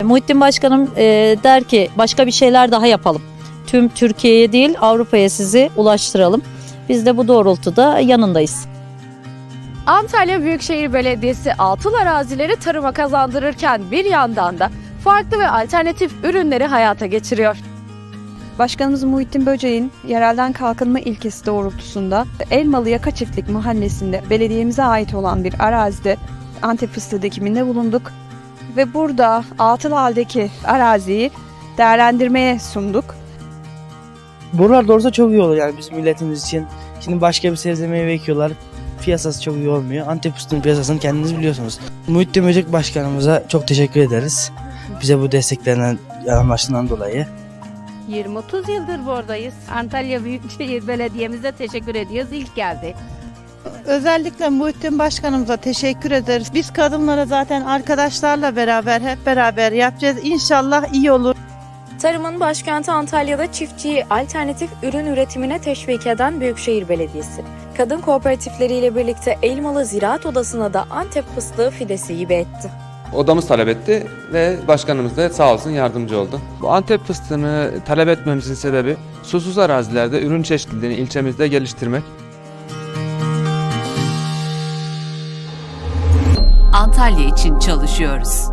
Muhittin Başkanım der ki başka bir şeyler daha yapalım. Tüm Türkiye'ye değil Avrupa'ya sizi ulaştıralım. Biz de bu doğrultuda yanındayız. Antalya Büyükşehir Belediyesi atıl arazileri tarıma kazandırırken bir yandan da farklı ve alternatif ürünleri hayata geçiriyor. Başkanımız Muhittin Böceğin yerelden kalkınma ilkesi doğrultusunda Elmalı Yaka Çiftlik Mahallesi'nde belediyemize ait olan bir arazide Antep fıstığı dikiminde bulunduk. Ve burada atıl haldeki araziyi değerlendirmeye sunduk. Buralar doğrusu çok iyi olur yani bizim milletimiz için. Şimdi başka bir sebze meyve ekiyorlar. Piyasası çok iyi olmuyor. Antep fıstığının piyasasını kendiniz biliyorsunuz. Muhittin Böcek Başkanımıza çok teşekkür ederiz. Bize bu desteklerinden, yanılmasından dolayı. 20-30 yıldır buradayız. Antalya Büyükşehir Belediye'mize teşekkür ediyoruz. İlk geldi. Özellikle Muhittin Başkanımıza teşekkür ederiz. Biz kadınlara zaten arkadaşlarla beraber hep beraber yapacağız. İnşallah iyi olur. Tarımın başkenti Antalya'da çiftçiyi alternatif ürün üretimine teşvik eden Büyükşehir Belediyesi. Kadın kooperatifleriyle birlikte Elmalı Ziraat Odası'na da Antep fıstığı fidesi hibe etti. Odamız talep etti ve başkanımız da sağ olsun yardımcı oldu. Bu Antep fıstığını talep etmemizin sebebi susuz arazilerde ürün çeşitliliğini ilçemizde geliştirmek. Antalya için çalışıyoruz.